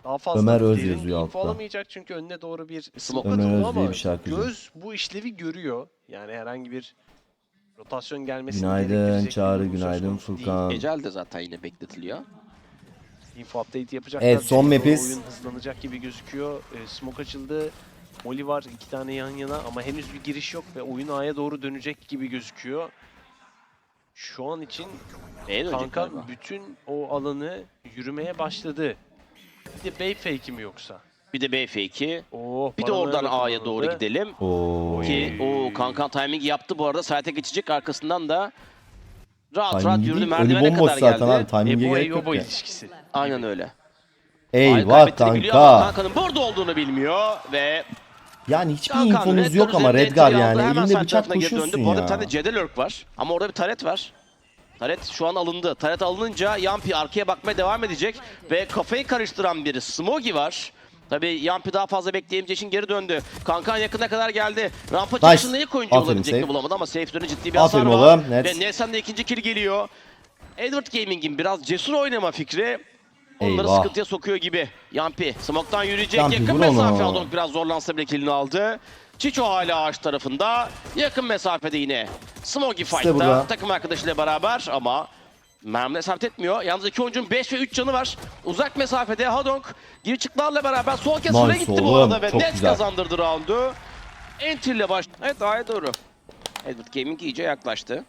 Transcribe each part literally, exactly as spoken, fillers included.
Daha fazla Ömer Öz derin yazıyor info altta. alamayacak çünkü önüne doğru bir smoke Ömer atıldı Öz ama diye bir şarkıcı. göz bu işlevi görüyor. Yani herhangi bir rotasyon gelmesini Günaydın gerektirecek bir Çağrı, durum söz günaydın konusu değil. Furkan. Ecel de zaten yine bekletiliyor. Info update yapacaklar. Evet, son İçeriye doğru map'iz. oyun hızlanacak gibi gözüküyor. E, smoke açıldı. Molly var iki tane yan yana ama henüz bir giriş yok ve oyun A'ya doğru dönecek gibi gözüküyor. Şu an için B'ye dönecek Kanka galiba. bütün o alanı yürümeye başladı. Bir de Bey fake mi yoksa? Bir de B fake'i. Oo, Bir de oradan paranoya A'ya doğru kullanıldı. gidelim. Oo. Ki o Kankan timing yaptı bu arada. Site'e geçecek, arkasından da rahat rahat Timing yürüdü, değil, merdivene ölü bomboş kadar zaten geldi. abi. Timing'e Ebo gerek yok Eyobo ya. ilişkisi. Aynen öyle. Eyvah Kaybettiğini biliyor ama kanka. Kankan'ın burada olduğunu bilmiyor ve Yani hiçbir Kankan infonuz Red yok ama üzerinde Redgar entry aldı. yani. Hemen Elinde side bıçak tarafına geri döndü. koşuyorsun Bu arada ya. bir tane C D lurk var ama orada bir taret var. Taret şu an alındı. Taret alınınca Yampi arkaya bakmaya devam edecek ve kafayı karıştıran bir Smogi var. Tabii Yampi daha fazla bekleyemeyeceği için geri döndü. Kankan yakına kadar geldi. Rampa Nice. çıkışında ilk oyuncu Aferin, olabilecek mi safe. bulamadı ama safe üzerine ciddi bir Aferin hasar var. oğlum, net. Ve Nelson de ikinci kill geliyor. Edward Gaming'in biraz cesur oynama fikri onları Eyvah. sıkıntıya sokuyor gibi. Yampi smoke'tan yürüyecek. Yampi, Yakın vur mesafe onu. aldı. Biraz zorlansa bile killini aldı. Çiço hala ağaç tarafında. Yakın mesafede yine Smogi fight'ta burada. takım arkadaşıyla beraber ama mermiler isabet etmiyor. Yalnız iki oyuncunun beş ve üç canı var. Uzak mesafede Hadong geri çıklarla beraber sol kez Nice süre gitti bu oğlum, arada ve çok net güzel. kazandırdı roundu. Enter ile baş... Evet, A'ya doğru. Edward Gaming iyice yaklaştı.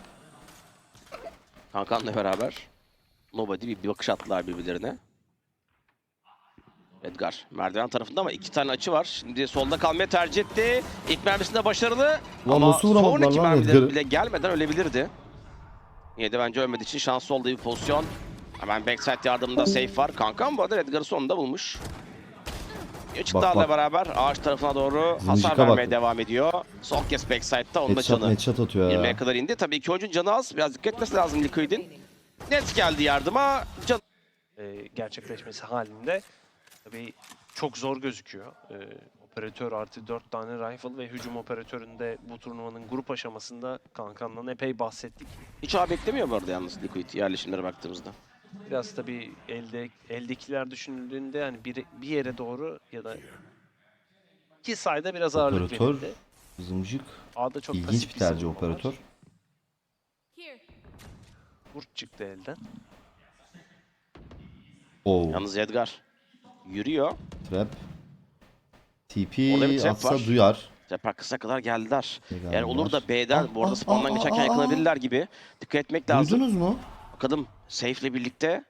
Kankan'la beraber Nobody bir, bir bakış attılar birbirlerine. Edgar merdiven tarafında ama iki tane açı var. Şimdi solda kalmayı tercih etti. İlk mermisinde başarılı Lan ama nasıl vuramadılar sonraki lan mermileri Edgar'ı? bile gelmeden ölebilirdi. Yine de bence ölmediği için şanslı olduğu bir pozisyon. Hemen backside yardımında safe var. Kankan bu arada Edgar'ı sonunda bulmuş. Çıktılarla bak. beraber ağaç tarafına doğru Zımcıka hasar vermeye bak. devam ediyor. Son kez backside'da onun da Headshot canı headshot atıyor yirmiye ya. kadar indi. Tabii iki oyuncunun canı az. Biraz dikkat etmesi lazım Liquid'in. Net geldi yardıma. Can E, gerçekleşmesi halinde tabii çok zor gözüküyor. E, operatör artı dört tane rifle ve hücum operatöründe bu turnuvanın grup aşamasında Kankan'dan epey bahsettik. hiç ağ beklemiyor bu arada yalnız Liquid yerleşimlere baktığımızda. Biraz tabii elde eldekiler düşünüldüğünde yani bir, bir yere doğru ya da iki sayda biraz ağırlık Operatör, verildi. zımcık. A'da çok İlginç pasif bir tercih savunma var. operatör. Kurt çıktı elden. Oo. Yalnız Edgar yürüyor. Trap. T Orada bir P trap atsa var. duyar. Tepe kısa kadar geldiler. Geldiler. Yani olur da B'den Ah, bu arada ah, spawn'dan ah, geçerken ah, yakalanabilirler gibi. Dikkat etmek lazım. Duydunuz mu? Bakalım Safe'le birlikte.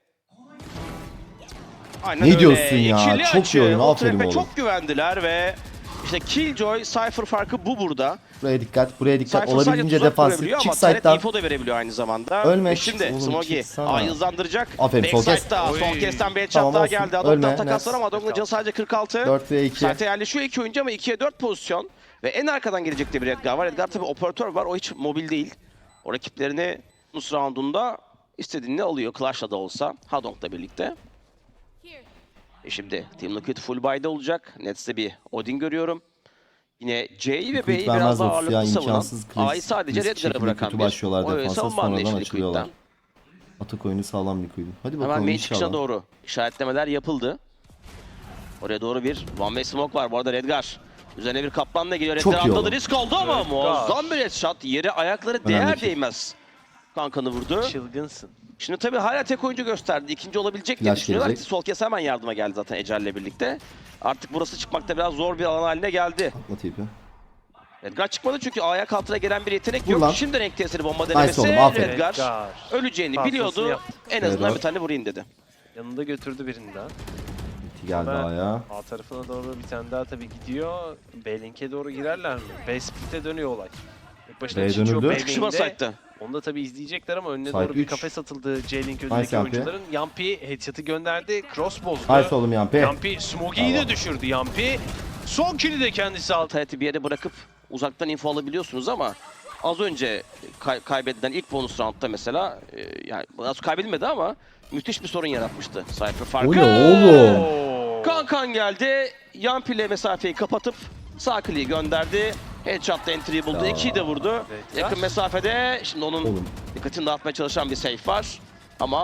Aynen Ne öyle. diyorsun ya? İkili Çok iyi açı. oyun, O aferin trap'e oğlum. çok güvendiler ve işte Killjoy, Cypher farkı bu burada. Buraya dikkat, buraya dikkat. Cypher sadece Olabildiğince tuzak defansif. kurabiliyor Çık ama Taret side'dan. info da verebiliyor aynı zamanda. Ölme, Ve çık şimdi oğlum, Smogi çıksana. A'yı hızlandıracak. Aferin, sol kes. Backside'da Oy. son kesten bir headshot Tamam, daha olsun. geldi. Ölme, Adog'dan takaslar net. ama Adog'un canı sadece kırk altı. dört ve iki. Site yerleşiyor iki oyuncu ama ikiye dört pozisyon. Ve en arkadan gelecek de bir Edgar var. Edgar tabii operatör var. O hiç mobil değil. O rakiplerini Nus roundunda istediğini alıyor. Clash'la da olsa. Hadong'la birlikte. E şimdi Team Liquid full buy'da olacak. Nets'te bir Odin görüyorum. Yine C'yi ve B'yi Liquid vermez biraz daha otuz ya, ağırlıklı savunan, imkansız. Klasik- A'yı sadece klasik Redgar'a şekilde bırakan kötü bir başlıyorlar o defansa, savunma sonradan anlayışı açılıyorlar. Liquid'den. Atak oyunu sağlam Liquid'in. Hadi Hemen bakalım main çıkışına inşallah. doğru işaretlemeler yapıldı. Oraya doğru bir one way smoke var. Bu arada Redgar üzerine bir kaplanla geliyor. Çok Redgar iyi atladı, oğlum. risk oldu ama Redgar. muazzam bir headshot. Yere ayakları değer Önemli ki. değmez. Kankanı vurdu. Çılgınsın. Şimdi tabii hala tek oyuncu gösterdi. İkinci olabilecek diye Flash düşünüyorlar ki gelecek. sol kes hemen yardıma geldi zaten Ecel'le birlikte. Artık burası çıkmakta biraz zor bir alan haline geldi. Atma tipi. Redgar çıkmadı çünkü ayak altına gelen bir yetenek Vur yok. lan. Şimdi renk tesiri bomba Nice denemesi. oğlum, aferin. Redgar Redgar. öleceğini Tahtasını biliyordu. yaptı. En azından Redgar. bir tane vurayım dedi. Yanında götürdü birini daha. Bitti geldi Ama ayağa. A tarafına doğru bir tane daha tabii gidiyor. B-Link'e doğru girerler mi? B-Split'e dönüyor olay. İlk başta B'ye Chicho dönüldü. B Çıkışma main'de. site'da. Onu da tabii izleyecekler ama önüne Site doğru bir üç. kafes atıldı J-Link Nice önündeki Yampi. oyuncuların. Yampi headshot'ı gönderdi. Cross bozdu. Nice oğlum Yampi. Yampi Smogi'yi Bravo. de düşürdü Yampi. Son kill'i de kendisi aldı. Taret'i bir yere bırakıp uzaktan info alabiliyorsunuz ama az önce kay- kaybedilen ilk bonus roundda mesela e, yani az kaybedilmedi ama müthiş bir sorun yaratmıştı Cypher farkı. O ne oğlum? Oo. Kankan geldi. Yampi ile mesafeyi kapatıp sağ kliği gönderdi. Headshot'ta entry'yi buldu. Ya. ikiyi de vurdu. Evet, Yakın ya. mesafede şimdi onun Oğlum. dikkatini dağıtmaya çalışan bir safe var. Ama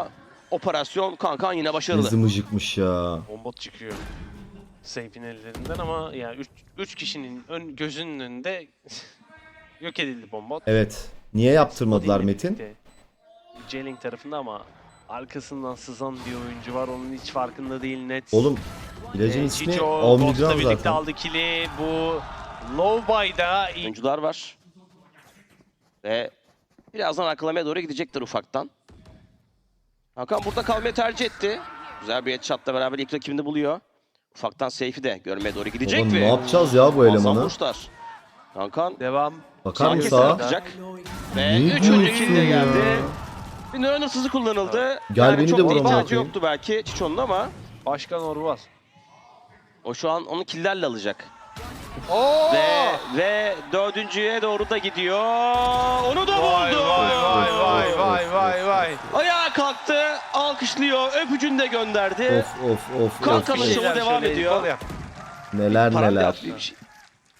operasyon Kankan yine başarılı. Ne zımıcıkmış ya. Bombot çıkıyor. Seyf'in ellerinden ama yani üç kişinin ön, gözünün önünde yok edildi bombot. Evet. Niye yaptırmadılar Spotty ile Metin? birlikte J-Link tarafında ama arkasından sızan bir oyuncu var. Onun hiç farkında değil net. Oğlum ilacın Ee, ismi Chicho, Omnigram Ghost'la birlikte zaten. aldı kili. Bu low buy'da ilk Oyuncular var. Ve birazdan arkalamaya doğru gidecektir ufaktan. Hakan burada kalmayı tercih etti. Güzel bir headshot'la beraber ilk rakibini buluyor. Ufaktan Seyfi de görmeye doğru gidecek Oğlum ve ne yapacağız ya bu muazzam elemanı? vuruşlar. Hakan devam. Bakar herkes mısın sağa? atacak. Ve Ne üçüncü diyorsun kill de ya? geldi. Bir nöron hırsızı kullanıldı. Gel yani beni çok de da vur ama. ihtiyacı yoktu belki Çiçon'un ama Başkan Orval. o şu an onu killlerle alacak. Oo! Ve ve dördüncüye doğru da gidiyor. Onu da Vay buldu. vay vay vay vay vay vay. Ayağa kalktı, alkışlıyor, öpücünü de gönderdi. Of of of Kanka of. şovu Şeyler devam şöyle ediyor. el kol yap. Neler Param da neler. yaptı bir şey.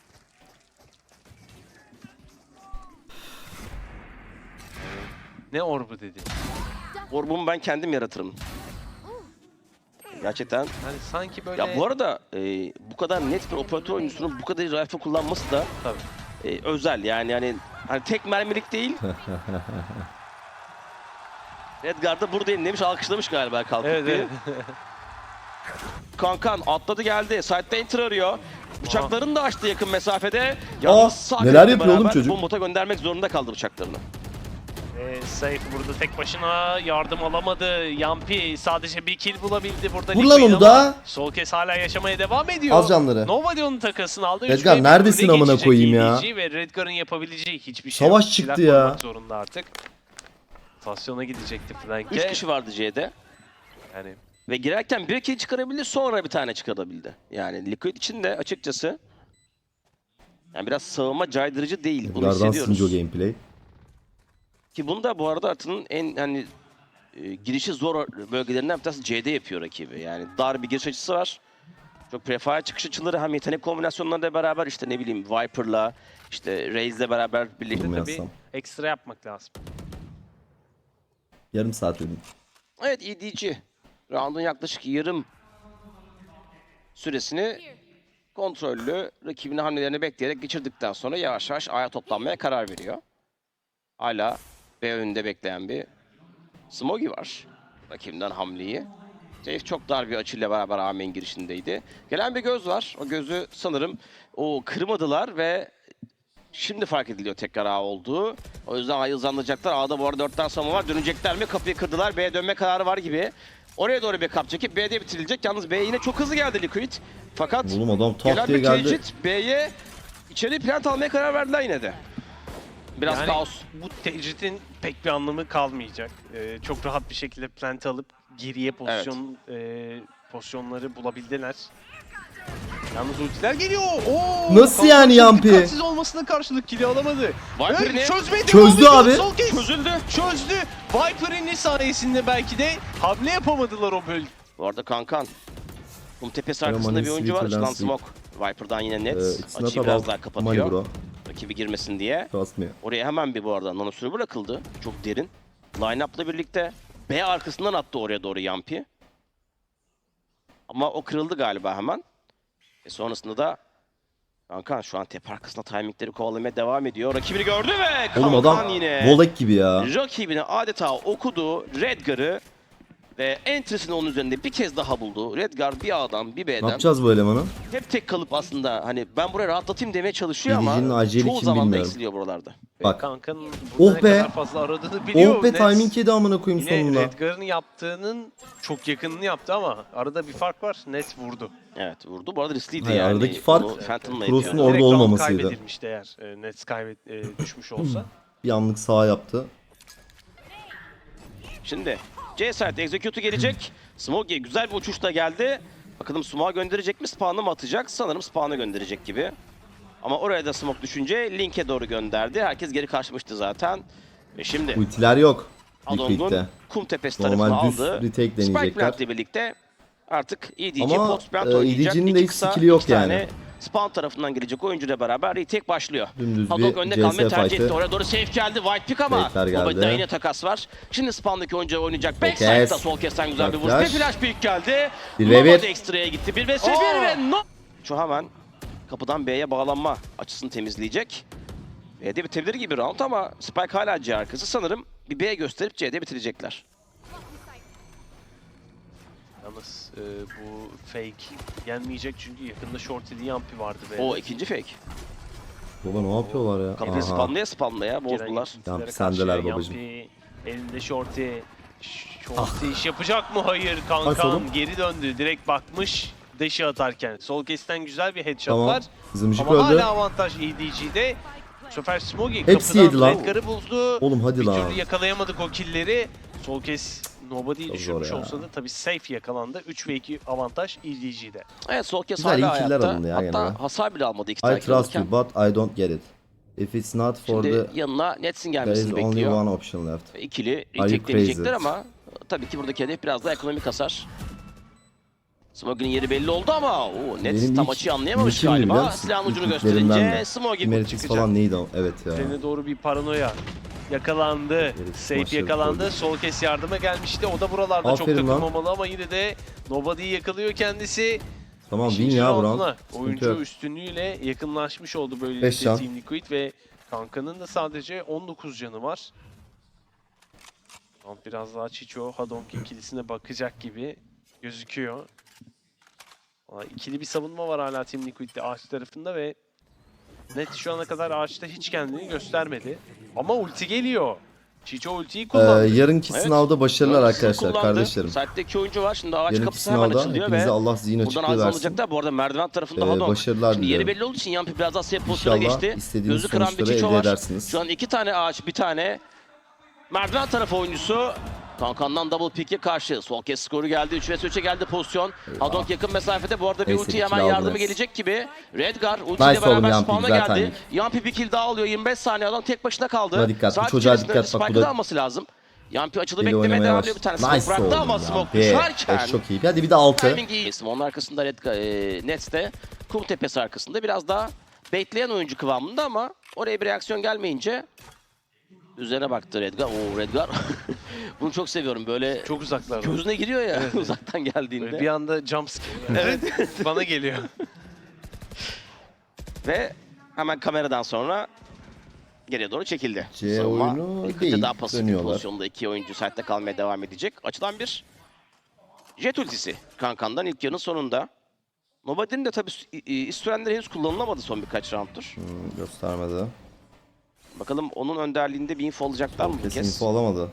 Ne orbu dedi. Orbumu ben kendim yaratırım. Gerçekten. Hani sanki böyle... Ya bu arada e, bu kadar net bir operatör oyuncusunun bu kadar iyi rifle kullanması da Tabii. e, özel yani hani hani tek mermilik değil. Edgar da buradayım demiş, alkışlamış galiba kalkıp Evet bir. evet. Kankan atladı geldi. Side'da enter arıyor. Bıçaklarını da açtı yakın mesafede. Aa, sağ neler klikle yapıyor oğlum beraber çocuk? Bombot'a göndermek zorunda kaldı bıçaklarını. Ee, Safe burada tek başına yardım alamadı. Yampi sadece bir kill bulabildi burada. Vur lan Liquid onu ama da. Sol kes hala yaşamaya devam ediyor. Az canları. Nova de onun takasını aldı. Redgar, Üç ve bir neredesin öne amına geçecek koyayım ya? E D G Ve Redgar'ın yapabileceği hiçbir şey Savaş yok. çıktı Silah ya. koymak zorunda artık. Stasyona gidecekti flank'e. Üç kişi vardı C'de. Yani Ve girerken bir kill çıkarabildi, sonra bir tane çıkarabildi. Yani Liquid için de açıkçası yani biraz savunma caydırıcı değil. Bunu Edgar'dan hissediyoruz. Sinjo gameplay. Ki bunu da bu arada Art'ın en hani e, girişi zor bölgelerinden bir tanesi C'de yapıyor rakibi. Yani dar bir giriş açısı var. Çok prefire çıkış açıları hem yetenek kombinasyonlarıyla beraber işte ne bileyim Viper'la işte Raze'le beraber birlikte Bilmiyorum. tabii. Yazsam. ekstra yapmak lazım. Yarım saat dedim. Evet E D G. Round'un yaklaşık yarım süresini kontrollü rakibinin hamlelerini bekleyerek geçirdikten sonra yavaş yavaş A'ya toplanmaya karar veriyor. Hala B önünde bekleyen bir Smogi var. Rakibinden hamleyi. Safe çok dar bir açıyla beraber A main girişindeydi. Gelen bir göz var. O gözü sanırım o kırmadılar ve şimdi fark ediliyor tekrar A olduğu. O yüzden A'yı hızlandıracaklar. A'da bu arada dört tane savunma var. Dönecekler mi? Kapıyı kırdılar. B'ye dönme kararı var gibi. Oraya doğru bir kap çekip B'de bitirilecek. Yalnız B yine çok hızlı geldi Liquid. Fakat Oğlum adam tak gelen diye bir geldi. tecrit B'ye içeri plant almaya karar verdiler yine de. Biraz Yani kaos. bu tecritin pek bir anlamı kalmayacak. Ee, çok rahat bir şekilde plant alıp geriye pozisyon e, pozisyonları bulabildiler. Yalnız ultiler geliyor. Oo, Nasıl Kanka yani çok Yampi? Dikkatsiz olmasına karşılık kili alamadı. Viper'ini Ve çözmeye Çözdü devam abi. ediyor. Sol kes. çözüldü. Çözdü. Viper'in sayesinde belki de hamle yapamadılar o bölge. Bu arada Kankan. Kum tepesi Ama arkasında bir Sweet oyuncu var. Lance Şuradan Week. Smoke. Viper'dan yine net. Ee, it's not Açıyı biraz about daha money kapatıyor. bro. Rakibi girmesin diye. Trust me. Oraya hemen bir bu arada nanosürü bırakıldı. Çok derin. Line-up'la birlikte B arkasından attı oraya doğru Yampi. Ama o kırıldı galiba hemen. E sonrasında da Kankan şu an tepe arkasında timingleri kovalamaya devam ediyor. Rakibini gördü ve Kankan Oğlum adam yine volek gibi ya. rakibini adeta okudu. Redgar'ı ve entry'sini onun üzerinde bir kez daha buldu. Redgar bir A'dan bir Ne B'den yapacağız bu elemanı? hep tek kalıp aslında hani ben buraya rahatlatayım demeye çalışıyor Yedicinin ama aceli çoğu kim zaman da bilmiyorum. eksiliyor buralarda. Bak. Kankanın Oh burada ne be. kadar fazla aradığını biliyor. Oh be Nets. timing yedi amına koyayım Yine sonunda. Redgar'ın yaptığının çok yakınını yaptı ama arada bir fark var. Net vurdu. Evet vurdu. Bu arada riskliydi Hayır, yani. aradaki fark, Onu Phantom'la Cross'un yapıyordu. orada Direkt round olmamasıydı. kaybedilmişti eğer e, Nets kaybet e, düşmüş olsa. Bir anlık sağa yaptı. Şimdi C site execute'u gelecek. Smoke güzel bir uçuşla geldi. Bakalım Smoke'a gönderecek mi? Spawn'a mı atacak? Sanırım Spawn'a gönderecek gibi. Ama oraya da Smoke düşünce Link'e doğru gönderdi. Herkes geri kaçmıştı zaten. Ve şimdi Ultiler yok. Adong'un Liquid'de. kum tepesi tarafını Normal düz aldı. retake Spike deneyecekler. Plant'le birlikte artık E D G Ama, post plant e, oynayacak. E D G'nin de İki hiç kısa, skill'i yok iki tane yani. Spawn tarafından gelecek oyuncuyla beraber retake başlıyor. Dümdüz Hadok bir önde C kalmayı S tercih etti. fight'ı. Oraya doğru safe geldi. White pick ama Fake'ler geldi. Nobodi'den yine takas var. Şimdi Spawn'daki oyuncu oynayacak. Sol Backside'da kes. sol kesten güzel bir vuruş. Flash. Bir flash pick geldi. Bir ve bir. Nobody ekstraya gitti. bir ve bir ve no... Şu hemen kapıdan B'ye bağlanma açısını temizleyecek. B'de bitebilir gibi round ama Spike hala C arkası. Sanırım bir B gösterip C'de bitirecekler. Yalnız e, bu fake gelmeyecek çünkü yakında Shorty'li Yampi vardı. B'de. O ikinci fake. Baba ne yapıyorlar ya? Kapıyı Aha. spamlaya spamlaya Giren bozdular. ikincilere Yampi karşı sendeler babacım. Yampi elinde Shorty. Shorty iş yapacak mı? Hayır kankam. Kaç oğlum? Geri döndü. Direkt bakmış deşi atarken. Sol kesten güzel bir headshot Tamam. var. Zımcık Ama öldü. hala avantaj E D G'de. Bu sefer Smoggy Hepsi yedi kapıdan lan. Redgar'ı buldu. Oğlum hadi Bir lan. türlü yakalayamadık o killleri. Sol kes Nobody'yi Çok düşürmüş zor ya. olsa da tabii safe yakalandı. üç ve iki avantaj E D G'de. Evet sol kes Güzel, hala iyi killer hayatta. alındı ya Hatta gene. hasar bile almadı iki I tane trust you alırken. but I don't get it. If it's not for Şimdi the... yanına Nets'in There is gelmesini only bekliyor. one option left. Ve İkili you retake deneyecekler crazy? ama tabii ki buradaki hedef biraz daha ekonomik hasar. Smoggy'nin yeri belli oldu ama o Nets Benim tam ilk açıyı anlayamamış ilkimdi biliyor galiba. musun? Silahın ucunu İlk ilklerimden gösterince de. Smoggy Emeritus çıkacak. falan neydi o? Evet ya. Üzerine doğru bir paranoya yakalandı. Herif Safe başarılı yakalandı. oldu. Sol kes yardıma gelmişti. O da buralarda Aferin çok lan. takılmamalı ama yine de Nobody'yi yakalıyor kendisi. Tamam win İkinci ya bu rounduna round. Sıkıntı oyuncu yok. üstünlüğüyle yakınlaşmış oldu Beş böylelikle can. Team Liquid ve Kanka'nın da sadece on dokuz canı var. Round biraz daha Chicho Hadonk ikilisine bakacak gibi gözüküyor. Valla İkili bir savunma var hala Team Liquid'de ağaç tarafında ve Net şu ana kadar ağaçta hiç kendini göstermedi. Ama ulti geliyor. Chicho ultiyi Ee, kullandı. yarınki Evet. sınavda başarılar Dört arkadaşlar kullandı. kardeşlerim. Site'de iki oyuncu var. Şimdi ağaç Yarınki kapısı hemen sınavda açılıyor hepinize ve Allah zihin buradan açıklığı ağız versin. alacaklar. Bu arada merdiven tarafında Ee, Hadon. başarılar Şimdi yeri diliyorum. belli olduğu için Yampi biraz daha safe pozisyona İnşallah geçti. istediğiniz Gözü kıran bir sonuçları Chicho elde var. edersiniz. Şu an iki tane ağaç, bir tane merdiven tarafı oyuncusu. Kankan'dan double pick'e karşı. Sol kes skoru geldi. üç ve üçe geldi pozisyon. Hadonk yakın mesafede. Bu arada bir Neyse, ulti bir hemen kill aldı yardımı Nets. gelecek gibi. Redgar ultiyle Nice oğlum beraber Yampi, spawn'a güzel geldi. timing. Yampi bir kill daha alıyor. yirmi beş saniye adam tek başına kaldı. Buna dikkat, bu Saat çocuğa içerisinde dikkat, bak bu Spike'ı da- da alması lazım. Yampi açılı Deli beklemeye oynamaya devam baş- ediyor. Bir tane smoke Nice bıraktı oğlum ama ya. smoke Be, düşerken. beş çok iyi. Hadi bir de altı. Timing iyi. Onun arkasında Red, e, Nets'te kum tepesi arkasında biraz daha baitleyen oyuncu kıvamında ama oraya bir reaksiyon gelmeyince üzerine baktı Redgar. Oo Redgar. Bunu çok seviyorum böyle Çok uzaklarda. gözüne giriyor ya uzaktan Böyle geldiğinde. bir anda jump scare. Evet. Bana geliyor. Ve hemen kameradan sonra geriye doğru çekildi. C Savunma oyunu Liquid'de değil, daha pasif bir dönüyorlar. pozisyonda iki oyuncu site'de kalmaya devam edecek. Açılan bir jet ultisi Kankan'dan ilk yarının sonunda. Nobody'nin de tabii İstürenler henüz kullanılamadı son birkaç rounddur. Hmm, göstermedi. Bakalım onun önderliğinde bir info alacaklar mı bu Kesin kez? info alamadı.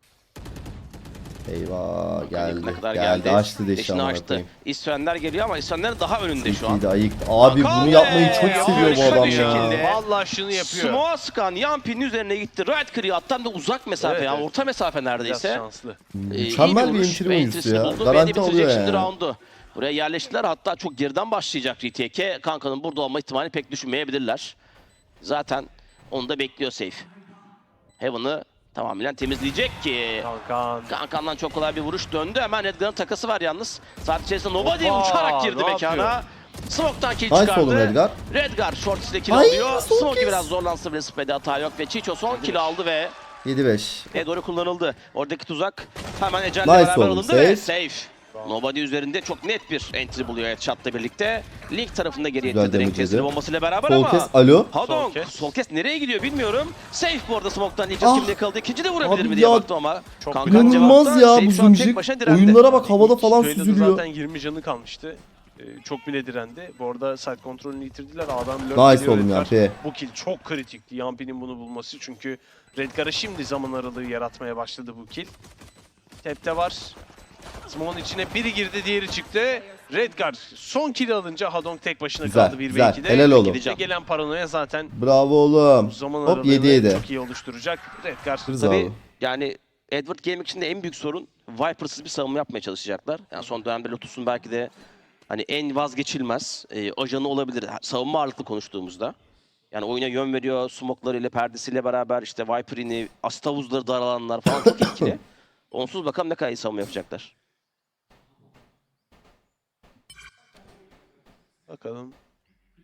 Eyvah geldi. Ne kadar geldi. geldi. Açtı deşi Deşini amına açtı. koyayım. İstürenler geliyor ama İstürenler daha önünde şu an. İyi de ayıktı. Abi Hakan bunu yapmayı be! çok seviyor bu Harika adam bir ya. şekilde. Vallahi şunu yapıyor. Smoke'a sıkan Yampi'nin üzerine gitti. Right clear hatta da uzak mesafe Evet, yani evet. orta mesafe Biraz neredeyse. şanslı. Ee, iyi Mükemmel bir vuruş entry ve oyuncusu entry'sini ya. buldu. B'de Garanti bitirecek alıyor şimdi yani. roundu. Buraya yerleştiler hatta çok geriden başlayacak retake'e. Kanka'nın burada olma ihtimali pek düşünmeyebilirler. Zaten onu da bekliyor safe. Heaven'ı tamamen temizleyecek ki. Kankan. Kankan'dan çok kolay bir vuruş döndü. Hemen Redgar'ın takası var yalnız. Saat içerisinde Nobody Hoppa, uçarak girdi ne mekana. yapıyor? Smoke'tan kill Nice çıkardı. oğlum Redgar. Redgar short ile kill Ay, alıyor. son Smoke kez. biraz zorlansa bile speed'e hata yok ve Chicho son kill aldı ve yedi beş. e doğru kullanıldı. Oradaki tuzak hemen Ecel'le Nice beraber oğlum, alındı safe. ve safe. Nobody üzerinde çok net bir entry buluyor headshot'la birlikte. Link tarafında geriye Güzel itildi renk damage testleri yedi. bombasıyla beraber Sol ama kes. Alo. Hadong, Sol kes. sol kes nereye gidiyor bilmiyorum. Safe bu arada smoke'tan ilk Ah. kimde yakaladı. İkinci de vurabilir Abi mi diye ya, baktım ama. çok Kankan İnanılmaz cevapta, ya Safe bu şu an tek zımcık. başına direndi. Oyunlara bak havada İlk falan Trail'de süzülüyor. zaten yirmi canı kalmıştı. Ee, çok bile direndi. Bu arada side kontrolünü yitirdiler. Adam lurk Nice geliyor oğlum Redgar. Yampi. Bu kill çok kritikti. Yampi'nin bunu bulması çünkü Redgar'a şimdi zaman aralığı yaratmaya başladı bu kill. Tepte var. Smoke'un içine biri girdi, diğeri çıktı. Redgar son kill alınca Hadong tek başına Güzel, kaldı bir ve güzel. ikide. Helal oğlum. İkide gelen paranoya zaten Bravo oğlum. zaman Hop aralığını yedi yedi. çok iyi oluşturacak. Redgar Kırız Tabii abi. yani Edward Gaming için de en büyük sorun Viper'sız bir savunma yapmaya çalışacaklar. Yani son dönemde Lotus'un belki de hani en vazgeçilmez e, ajanı olabilir savunma ağırlıklı konuştuğumuzda. Yani oyuna yön veriyor, smoke'larıyla, perdesiyle beraber işte Viper'ini, Astavuzları daralanlar falan çok etkili. Onsuz bakalım ne kadar iyi savunma yapacaklar. bakalım.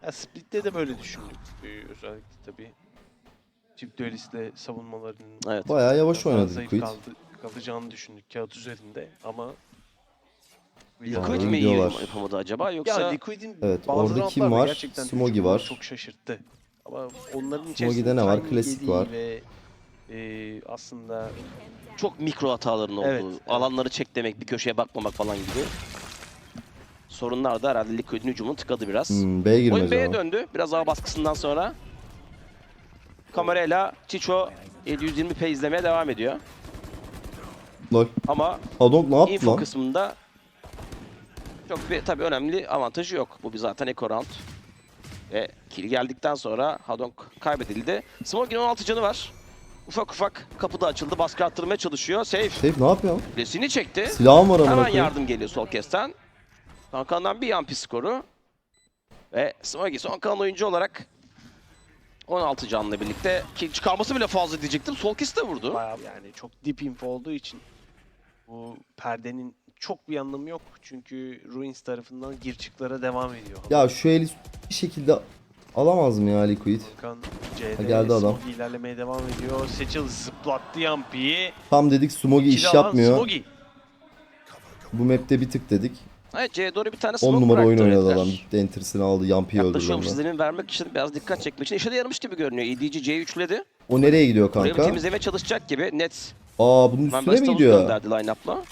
Ya Split'te de böyle düşündük. Ee, özellikle tabii çift düelistle savunmalarının Evet. Bayağı yavaş biraz daha oynadı zayıf Liquid. kaldı, kalacağını düşündük kağıt üzerinde ama Liquid iyi mi iyi gidiyorlar. yapamadı acaba ya yoksa Liquid'in Evet, bazı orada kim roundlarda var? gerçekten Smogi hücumu var. çok şaşırttı. Ama onların Smogi'de içerisinde ne var? timing Klasik yediği var. ve e, aslında çok mikro hataların olduğu, Evet, evet. alanları çek demek, bir köşeye bakmamak falan gibi sorunlar da herhalde Liquid'in hücumunu tıkadı biraz. Hmm, B'ye girmez Oyun B'ye ama. döndü. Biraz daha baskısından sonra. Kamerayla Chicho yedi yüz yirmi p izlemeye devam ediyor. Lol. Ama Hadong ne yaptı info lan? kısmında çok bir tabii önemli avantajı yok. Bu bir zaten eco round. Ve kill geldikten sonra Hadong kaybedildi. Smoke'in on altı canı var. Ufak ufak kapıda açıldı. Baskı arttırmaya çalışıyor. Safe. Seyf ne yapıyor? Kulesini çekti. Silahım var amına Hemen koyayım. yardım geliyor sol kesten. Kankan'dan bir yampi skoru. Ve Smoggy son kalan oyuncu olarak on altı canla birlikte kill çıkarması bile fazla diyecektim. Sol kes de vurdu. bayağı yani çok deep info olduğu için bu perdenin çok bir anlamı yok. Çünkü Ruins tarafından gir çıklara devam ediyor. Ya şu eli bir şekilde alamaz mı ya Liquid? Hakan Ha, C'de geldi adam. Smogi ilerlemeye devam ediyor. Seçil zıplattı Yampi'yi. Tam dedik Smogi iş İkili alan yapmıyor. Smogi. Bu map'te bir tık dedik. Evet, C'ye doğru bir tane smoke on numara oyun bıraktı oynadı herifler. adam. Gitti entersini aldı. Yampi'yi öldürdü Yaklaşıyorum onunla. sizlerin vermek için biraz dikkat çekmek için. İşe de yaramış gibi görünüyor. E D G C'yi üçledi. O nereye gidiyor Oraya bir kanka? temizlemeye çalışacak gibi. Net. Aa bunun Hemen üstüne mi Bastalus gidiyor? gönderdi line-up'la.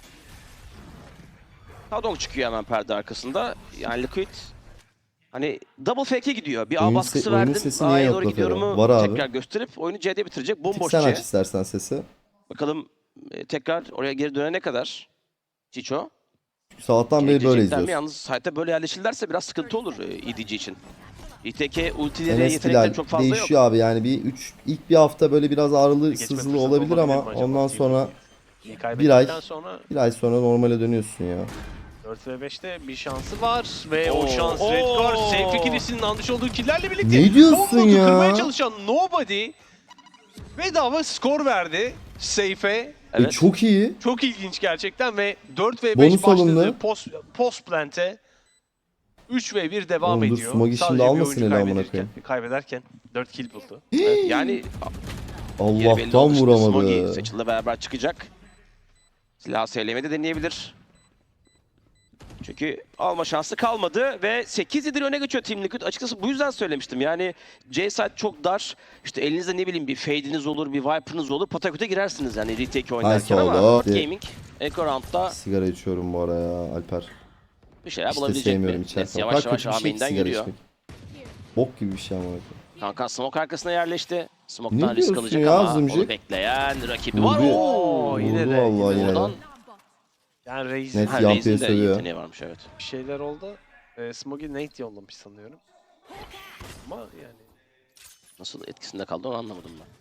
Hadong çıkıyor hemen perde arkasında. Yani Liquid hani double fake'e gidiyor. Bir A Oyun baskısı se- oyunun verdim. sesi niye A'ya yok doğru Lafayette? gidiyorumu Var abi. tekrar gösterip oyunu C'de bitirecek. Tık Bomboş sen C. aç istersen sesi. Bakalım e, tekrar oraya geri dönene kadar Chicho. Sabahtan beri böyle Gelecekler mi? izliyoruz. Yalnız site'e böyle yerleşirlerse biraz sıkıntı olur e, E D G için. E T K ultileri, Enes yetenekleri Bilal çok fazla yok. değişiyor abi yani bir üç ilk bir hafta böyle biraz ağrılı Geçme sızılı fırsatı olabilir ama mi acaba? ondan sonra İyi bir kaybettikten ay sonra bir ay sonra normale dönüyorsun ya. dört ve beşte bir şansı var ve o Oo, şans oo. Redguard Safe ikilisinin almış olduğu killerle birlikte Ne diyorsun Combo'yu ya? kırmaya çalışan Nobody bedava skor verdi Safe'e. Evet. E, çok iyi. Çok ilginç gerçekten ve dört ve beş Bonus başladı. alındı. Post, post plant'e üç ve bir devam Oğlum dur, ediyor. Smogi şimdi Sadece bir almasın oyuncu eli amına kaybederken, koyayım. kaybederken dört kill buldu. Evet, yani yeri belli Allah'tan oldu. Şimdi Smogy vuramadı. Seçil'le beraber çıkacak. Silah sevlemeyi de deneyebilir. Çünkü alma şansı kalmadı ve sekiz yedi öne geçiyor Team Liquid. Açıkçası bu yüzden söylemiştim. Yani C-side çok dar. İşte elinizde ne bileyim bir fade'iniz olur, bir viper'ınız olur. Pataküte girersiniz yani retake oynarken Nice ama oldu. Dört Gaming Eco Round'da Sigara içiyorum bu ara ya Alper. bir şeyler Hiç de bulabilecek sevmiyorum mi? içerken. Nets O yavaş kadar yavaş kötü bir şey ki Amin'den sigara yürüyor. içmek. Bok gibi bir şey ama. Kankan smoke arkasına yerleşti. Smoke'tan Ne risk diyorsun alacak ya, ama Zımcık? onu bekleyen rakibi Vurdu. var. Oo, Vurdu yine de, vallahi yine yine de. Oradan Yani Raze Net ha, Yampi'ye Raze'in de sövüyor. yeteneği varmış evet. bir şeyler oldu. E, Smogi Nate yollamış sanıyorum. Ama yani Nasıl etkisinde kaldı onu anlamadım ben.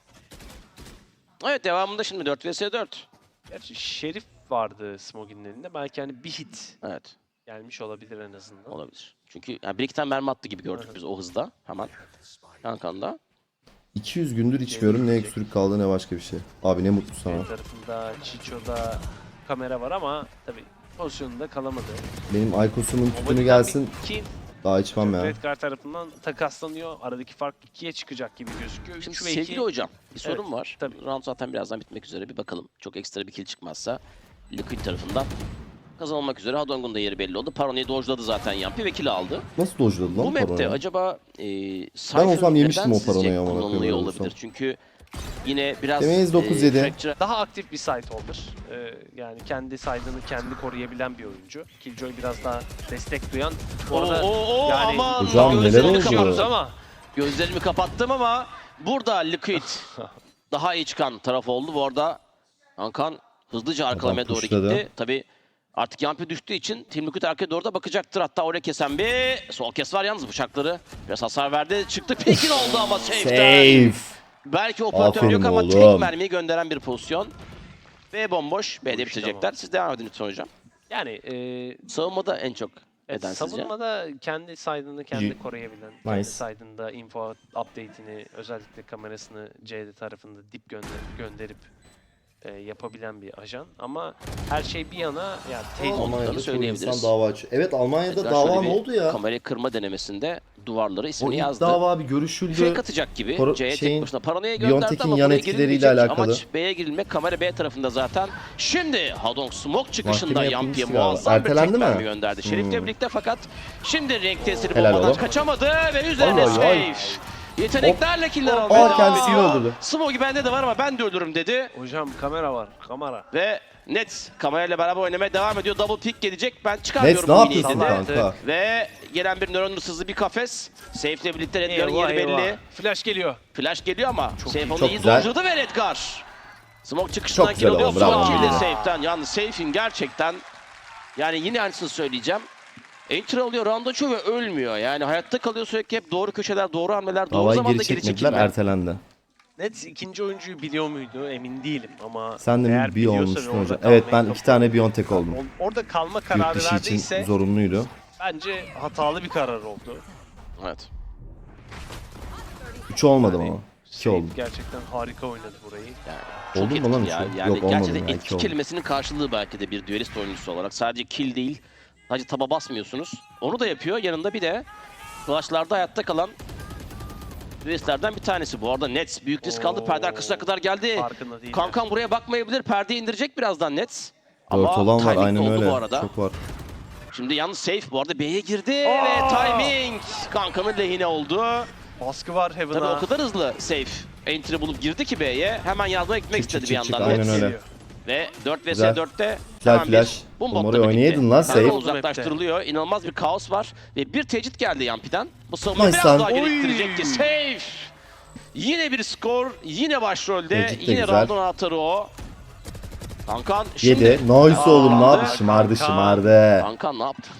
Evet devamında şimdi dört vs dört. gerçi Şerif vardı Smogi'nin elinde. Belki hani bir hit Evet gelmiş olabilir en azından. olabilir. Çünkü yani bir iki tane mermi attı gibi gördük biz o hızda hemen. Kankan'da. iki yüz gündür içmiyorum. Ne öksürük kaldı ne başka bir şey. Abi ne mutlu sana. Bir tarafında Chicho'da kamera var ama tabii pozisyonunda kalamadı. Benim Aykos'umun tütünü Nobody'den gelsin. bir kill Daha içmem ya. Redguard tarafından takaslanıyor. Aradaki fark ikiye çıkacak gibi gözüküyor. Şimdi üç ve sevgili iki. hocam bir sorun Evet, var. tabii. Round zaten birazdan bitmek üzere bir bakalım. Çok ekstra bir kill çıkmazsa Liquid tarafından kazanılmak üzere. Hadong'un da yeri belli oldu. Parony'yi dojladı zaten Yampi ve kill aldı. Nasıl dojladı Bu lan map'te paronu? acaba e, Ben Cypher olsam yemiştim neden o sizce paranoyu amına kullanılıyor koyayım, olabilir? olsam. Çünkü yine biraz Demeyiz dokuz yedi. Fracture- Daha aktif bir site holder. Ee, yani kendi side'ını kendi koruyabilen bir oyuncu. Killjoy biraz daha destek duyan. Bu Oo, arada oo, oo, yani aman, Hocam neler gözlerimi oldu? kaçıyoruz kapattım. ama Gözlerimi kapattım ama burada Liquid daha iyi çıkan taraf oldu. Bu arada Ankan hızlıca arkalamaya doğru pushladı. gitti. Tabii artık Yampi düştüğü için Team Liquid arkaya doğru da bakacaktır. Hatta oraya kesen bir sol kes var yalnız bıçakları. Biraz hasar verdi. Çıktı pekin oldu ama safe'den. Safe. Belki operatör Aferin yok ama oğlum. tek mermiyi gönderen bir pozisyon. B bomboş. B'de Boş, bitirecekler. tamam. Siz devam edin lütfen hocam. yani e, Savunmada en çok evet, eden sizce? savunmada kendi side'ını kendi İyi. koruyabilen, Nice. kendi side'ında info update'ini özellikle kamerasını C D tarafında dip gönder gönderip e, yapabilen bir ajan. Ama her şey bir yana yani tecrübe Almanya'da çoğu söyleyebiliriz. insan dava açıyor. Evet, Almanya'da Edgar dava şöyle ne bir oldu ya? Kamerayı kırma denemesinde duvarlara O ismini ilk yazdı. dava bir görüşüldü. Fake atacak gibi. Paro- C'ye şeyin, tek başına paranoya gönderdi Biontech'in ama yan buraya etkileriyle girilmeyecek. alakalı. Amaç B'ye girilmek. Kamera B tarafında zaten. Şimdi Hadong Smoke çıkışında Mahkeme Yampi'ye yapılmıştı galiba. muazzam bir Ertelendi tek mi? mermi gönderdi. Şerif'le Hmm. birlikte fakat şimdi renk tesiri Helal bombadan oğlum. kaçamadı ve üzerine Ay, ay, ay. safe. Yeteneklerle killer Aa, almaya devam kendisini ediyor. öldürdü. Smoke bende de var ama ben de ölürüm dedi. Hocam kamera var, kamera. Ve Nets kamerayla beraber oynamaya devam ediyor. Double pick gelecek. Ben çıkarmıyorum Nets ne bu yapıyorsun iğneyi dedi. kanka? Ve gelen bir nöron hırsızlı bir kafes. Safe'le birlikte Redgar'ın Eyvah, yeri belli. eyvah. Flash geliyor. Flash geliyor ama Çok Safe iyi. onu Çok iyi güzel. dojladı ve Redgar. Smoke çıkışından Çok kill güzel alıyor. oldu, bravo. Smoke kill'i Bravo. Safe'den. Yalnız Safe'in gerçekten yani yine aynısını söyleyeceğim. Enter alıyor, round açıyor ve ölmüyor. Yani hayatta kalıyor sürekli, hep doğru köşeler, doğru hamleler, doğru Davayı zamanda geri geri çekmediler, çekilme. ertelendi. Nets ikinci oyuncuyu biliyor muydu emin değilim ama Sen de eğer mi bir biliyorsa ve olmuştun orada hocam? kalmayı Evet, ben kabul- iki tane Biontech oldum. Or- Orada kalma Yurt kararı dışı için verdiyse zorunluydu. bence hatalı bir karar oldu. Evet. üç olmadım Yani ama. iki Safe oldu. gerçekten harika oynadı burayı. Çok Oldu mu lan etkili ya. üçü? Yani Yok, olmadı gerçekten ya, etki iki oldu. kelimesinin karşılığı belki de bir duelist oyuncusu olarak. Sadece kill değil, sadece taba basmıyorsunuz. Onu da yapıyor. Yanında bir de flashlarda hayatta kalan duelistlerden bir tanesi. Bu arada Nets büyük risk aldı. Perde arkasına kadar geldi. Farkında değil. Kankan buraya bakmayabilir. Perdeyi indirecek birazdan Nets. Dört Ama olan var, timing aynen oldu öyle. bu arada. Çok var. Şimdi yalnız safe bu arada B'ye girdi ve timing Kankan'ın lehine oldu. Baskı var Tabii Heaven'a. o kadar hızlı safe entry bulup girdi ki B'ye. Hemen yardıma gitmek Çık, çık, istedi bir çık, yandan çık, aynen Nets. öyle. Ve dört vs Güzel. dörtte Güzel hemen flash. bir boom Oğlum, botla oraya birlikte. oynayaydın lan, Kanka safe. uzaklaştırılıyor. İnanılmaz bir kaos var. Ve bir tecrit geldi Yampi'den. Bu savunma Nice biraz lan. daha Oy. gerektirecek ki safe. Yine bir skor. Yine başrolde. Tecrit de Yine güzel. round'un anahtarı o. Kankan şimdi. Yedi. Nice oğlum, ne Aa, yaptı? Şımardı, Kanka. şımardı. Kankan ne yaptı?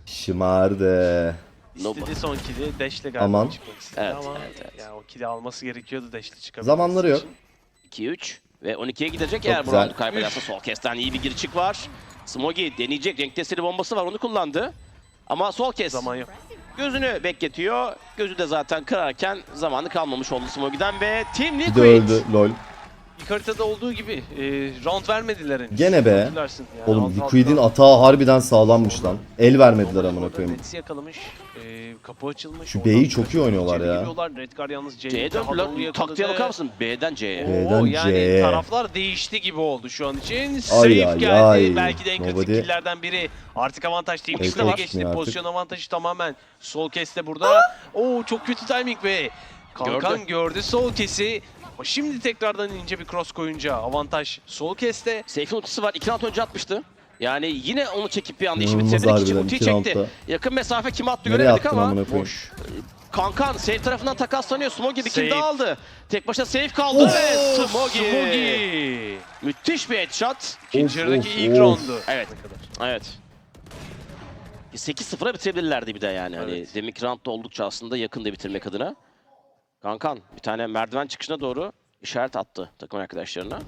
Şımardı. Nobody. İstedi son kill'i Dash'le galiba Aman. çıkmak istedi Evet, ama evet, evet. ya o kill'i alması gerekiyordu Dash'le çıkabilmesi Zamanları yok. için. iki üç ve on ikiye gidecek Çok eğer bu güzel. roundu kaybederse. Sol kesten iyi bir girişik var. Smogi deneyecek, renk testleri bombası var, onu kullandı. Ama sol kes Zaman yok. gözünü bekletiyor. Gözü de zaten kırarken zamanı kalmamış oldu Smogi'den ve Team Bir Liquid. de öldü, lol. İlk haritada olduğu gibi e, round vermediler henüz. Gene be. Hatırlarsın yani Oğlum, alt Liquid'in alttan- atağı harbiden sağlammış lan. El vermediler amına Orada koyayım. Nets'i yakalamış. E, kapı açılmış. Şu oradan B'yi çok iyi kaçıp oynuyorlar içeri ya. giriyorlar. Redgar yalnız C'ye C'ye daha doğru döndüler. yakaladı. Taktiğe bakar mısın? B'den C'ye. B'den Oo, yani C'ye. taraflar değişti gibi oldu şu an için. Safe Ay, ay, geldi. ay. Belki de en kritik Nobody. killlerden biri. Artık avantaj Team Evet, Liquid'e evet, geçti. çıkmıyor artık. Pozisyon avantajı tamamen sol keste burada. Oo çok kötü timing be. Kankan Gördü. gördü sol kesi. Ama şimdi tekrardan ince bir cross koyunca avantaj sol keste. Seyf'in ultisi var. iki round önce atmıştı. Yani yine onu çekip bir anda işi İnanılmaz bitirdik. İçin harbiden, ultiyi iki çekti. roundda. Yakın mesafe kime attı Nereye göremedik attın ama. amına koyayım? Boş. Kankan Seyf tarafından takaslanıyor. Smogi bir kill Safe. daha aldı. Tek başına Seyf kaldı Of. ve Smogi. Smogi. Müthiş bir headshot. İkinci Of, yarıdaki of, ilk of. roundu. Evet. Ne kadar? Evet. sekiz sıfıra bitirebilirlerdi bir de yani. Hani Evet. deminki roundda oldukça aslında yakında bitirmek adına. Kankan bir tane merdiven çıkışına doğru işaret attı takım arkadaşlarına.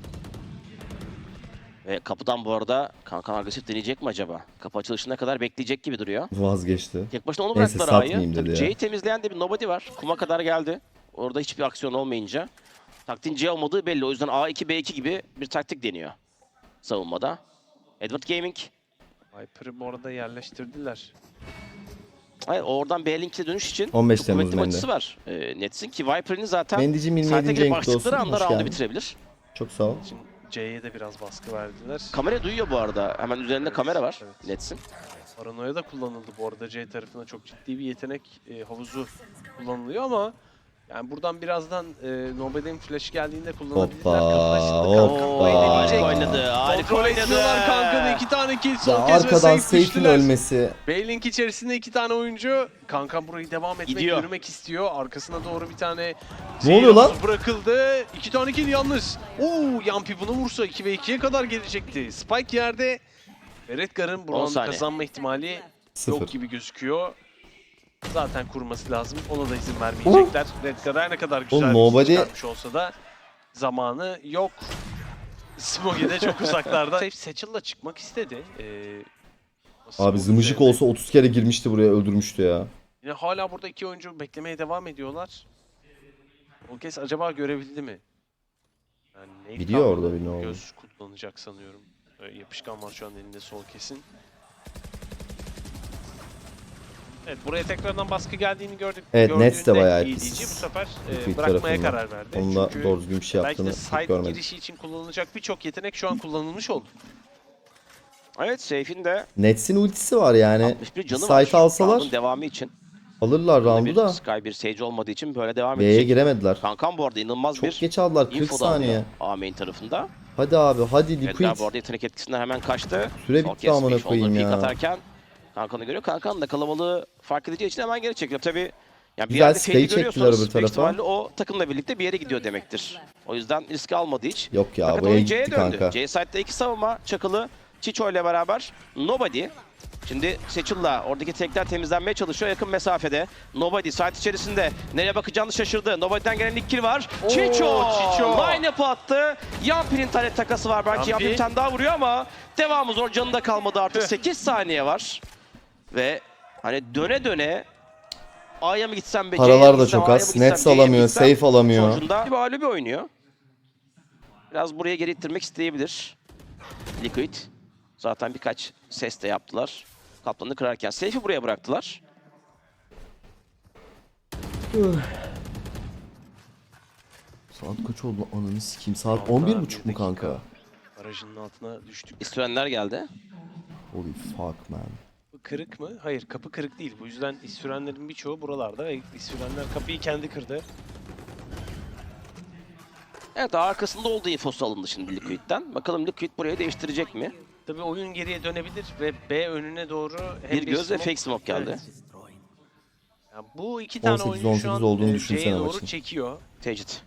Ve kapıdan bu arada Kankan agresif deneyecek mi acaba? Kapı açılışına kadar bekleyecek gibi duruyor. Vazgeçti. Tek başına onu Neyse, bıraktılar A'yı. satmayayım dedi Tabii ya. C'yi temizleyen de bir nobody var. Kuma kadar geldi. Orada hiçbir aksiyon olmayınca. Taktiğin C olmadığı belli. O yüzden A iki B iki gibi bir taktik deniyor savunmada. Edward Gaming. Viper'ı bu arada yerleştirdiler. Hayır, oradan B-Link'e dönüş için on beş çok Temmuz kuvvetli Mendi. maçısı var. Ee, Nets'in ki Viper'ın zaten Mendicim yirmi site yedinci girip renkli olsun. açtıkları anda Hoş round'u geldin. bitirebilir. Çok sağ ol. Şimdi C'ye de biraz baskı verdiler. Kamera duyuyor bu arada. Hemen üzerinde Evet, kamera var evet. Nets'in. Paranoya da kullanıldı bu arada C tarafına çok ciddi bir yetenek e, havuzu kullanılıyor ama yani buradan birazdan e, Nobody'nin flash geldiğinde kullanabilirler. Hoppa, Kapıda şimdi Kankan burayı hoppa. deneyecek. Harika oynadı. Harika Kontrol oynadı. ediyorlar Kankan'ı. iki tane kill Ya son kez ve arkadan safe Seyf'in düştüler. ölmesi. Baylink içerisinde iki tane oyuncu. Kankan burayı devam etmek, Gidiyor. yürümek istiyor. Arkasına doğru bir tane Ne oluyor lan? havuzu bırakıldı. İki tane kill yalnız. Oo, Yampi bunu vursa iki ve ikiye kadar gelecekti. Spike yerde. Ve Redgar'ın bu on roundu saniye. kazanma ihtimali Sıfır. yok gibi gözüküyor. Zaten kurması lazım. Ona da izin vermeyecekler. Redgar her ne kadar güzel Oğlum, bir nobody- şey çıkartmış olsa da zamanı yok. Smogi de çok uzaklarda. Safe Satchel'la çıkmak istedi. Ee, Abi Smoke zımıcık üzerine. olsa otuz kere girmişti buraya, öldürmüştü ya. Yine hala burada iki oyuncu beklemeye devam ediyorlar. O kez acaba görebildi mi? Yani Nate Biliyor kalmadı. orada bir ne olduğunu. Göz kullanacak sanıyorum. Ee, yapışkan var şu an elinde, sol kesin. Evet, buraya tekrardan baskı geldiğini gördük. Evet, Nets de Gördüğünde bayağı iyi pis. diyeceği bu sefer e, Liquid bırakmaya tarafından. karar verdi. Onun da Çünkü doğru düzgün bir şey belki de yaptığını side pek görmedim. girişi için kullanılacak birçok yetenek şu an kullanılmış oldu. Evet, Seyf'in de Nets'in ultisi var yani. altmış bir canı var. Site alsalar Round'un devamı için. alırlar Burada roundu bir da. Sky, bir Sage olmadığı için böyle devam B'ye edecek. giremediler. Kankam bu arada inanılmaz Çok bir geç aldılar, kırk info da alıyor saniye. A main tarafında. Hadi abi, hadi Edgar Liquid. bu arada yetenek etkisinden hemen kaçtı. Süre Son bitti kez amına bir koyayım shoulder ya. peek atarken Kankan'ı görüyor. Kankan da kalabalığı fark edeceği için hemen geri çekiliyor. Tabii yani bir Güzel yerde stay fake'i çektiler görüyorsanız öbür büyük tarafa. ihtimalle o takımla birlikte bir yere gidiyor demektir. O yüzden riski almadı hiç. Yok ya, Fakat bu el oyun C'ye gitti döndü. kanka. C side'da iki savunma. Çakılı, Chicho ile beraber Nobody. Şimdi Seçil'la oradaki tekler temizlenmeye çalışıyor yakın mesafede. Nobody site içerisinde. Nereye bakacağını şaşırdı. Nobody'den gelen ilk kill var. Oo, Chicho! Chicho! Line-up'ı attı. Yampi'nin taret takası var. Belki Yampi. Yampi bir tane daha vuruyor ama devamı zor. Canı da kalmadı artık. Tüh. sekiz saniye var. Ve hani döne döne A'ya mı gitsem be, C'ye mi Paralar da gitsem, çok A'ya az. mı gitsem, Nets C'ye mi alamıyor, gitsem? safe alamıyor. Sonucunda bir mağlubi oynuyor. Biraz buraya geri ittirmek isteyebilir Liquid. Zaten birkaç ses de yaptılar. Kaplanı kırarken safe'i buraya bıraktılar. Saat kaç oldu? Ananı sikeyim. Saat on bir buçuk mu kanka? Barajının altına düştük. İstirenler geldi. Holy fuck man. Bu kırık mı? Hayır, kapı kırık değil. Bu yüzden isürenlerin birçoğu buralarda ve isürenler kapıyı kendi kırdı. Evet, arkasında olduğu infosu alındı şimdi Liquid'den. Bakalım Liquid burayı değiştirecek mi? Tabii oyun geriye dönebilir ve B önüne doğru hem Bir göz ve smoke- fake smoke geldi. Evet. Yani bu iki tane on sekiz oyuncu on şu an sekiz olduğunu e, düşünsene C'ye doğru maçın. çekiyor. Tecrit.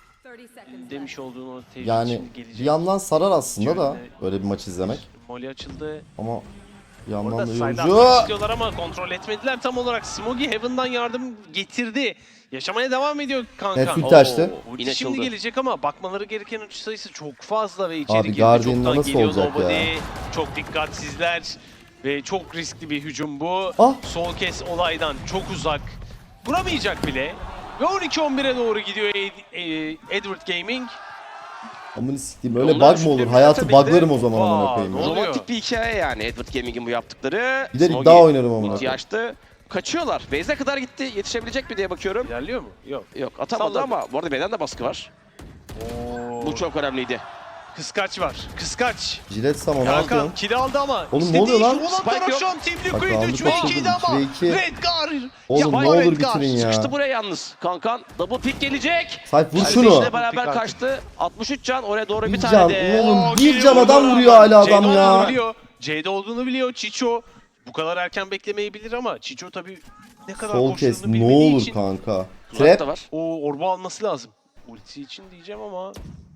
Demiş olduğun o tecrübe Yani şimdi bir gelecek. yandan sarar aslında da Şöyle- böyle bir maç izlemek. Molly açıldı. Ama bir yandan Orada da side'ı atmak yorucu. istiyorlar ama kontrol etmediler tam olarak. Smogy Heaven'dan yardım getirdi. Yaşamaya devam ediyor kanka. Net ulti açtı. Oo, Ulti yine şimdi açıldı. gelecek ama bakmaları gereken uç sayısı çok fazla ve içeri Abi, girdi. Guardian'la Çoktan nasıl geliyor olacak Nobody. ya? Çok dikkatsizler ve çok riskli bir hücum bu. Ah! Sol kes olaydan çok uzak. Vuramayacak bile. Ve on iki on bire doğru gidiyor Ed- e, Edward Gaming. Amını sikeyim, öyle Onlar bug mı olur? şüpheli Hayatı tabii de- buglarım o zaman amına Vaa, koyayım ne ya. oluyor? Romantik bir hikaye yani Edward Gaming'in bu yaptıkları. Gider Smogy iddia oynarım amına ultiyi koyayım. açtı. Kaçıyorlar. Base'e kadar gitti. Yetişebilecek mi diye bakıyorum. İlerliyor mu? Yok. Yok, atamadı Salladı. ama bu arada B'den de baskı var. Oo. Bu çok önemliydi. Kıskaç var. Kıskaç. Jilet Sam onu Hakan aldı. kill aldı ama. Oğlum ne istediği oluyor lan? şu olan Spike taraf yok. şu an Team Bak, Liquid roundu üç ve kaçırdım, ikiydi ama. üç ve iki. Redgar. Oğlum Yapma ne olur Redgar. bitirin ya. Sıkıştı buraya yalnız. Kankan double pick gelecek. Sayf vur Kardeşle şunu. beraber Pick kaçtı. altmış üç can oraya doğru bir, Bir tane can, de. oğlum. Oo, bir geliyor can adam buradan. vuruyor hala adam C'de ya. olduğunu biliyor. C'de olduğunu biliyor Chicho. Bu kadar erken beklemeyebilir ama Chicho tabii ne kadar Sol koştuğunu kes ne bilmediği olur için kanka. Uzak da Trap. var. o orbu alması lazım. Ulti için diyeceğim ama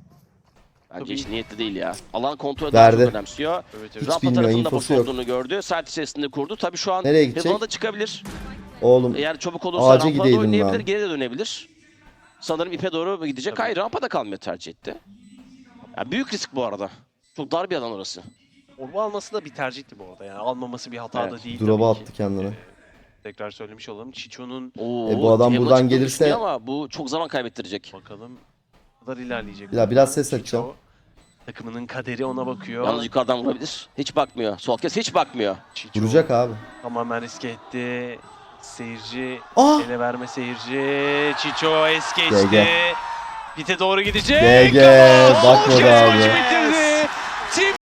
Bence Tabii. hiç niyetli değil ya. Alan kontrolü Verdi. daha çok önemsiyor. evet, Hiç evet. Rampa bilmiyor, tarafında boş infosu yok. olduğunu gördü. Saat içerisinde kurdu. Tabii şu an Nereye gidecek? Heaven'a da çıkabilir. Oğlum Eğer çabuk olursa Ağaca rampaya gideydin da oynayabilir. lan. Geri de dönebilir. Sanırım ipe doğru mu gidecek? Tabii. Hayır, rampada kalmıyor tercih etti. Ya büyük risk bu arada. Çok dar bir alan orası. Orbu alması da bir tercihti bu arada. Yani almaması bir hata Evet. da değil drop'a tabii ki. attı kendini. Ee, tekrar söylemiş olalım. Chicho'nun Oo, E, bu adam Heaven'a buradan çıktığını gelirse- düşünüyor ama bu çok zaman kaybettirecek. bakalım ne kadar ilerleyecek. Bir daha biraz ses Chicho, açacağım. takımının kaderi ona bakıyor. Yalnız yukarıdan vurabilir. Hiç bakmıyor. Sol kes hiç bakmıyor. Chicho Vuracak abi. tamamen riske etti. Seyirci, Ah! ele verme seyirci. Chicho es G geçti. G. Bite doğru gidecek. G G, Ama bakmadı son kez abi. maçı bitirdi.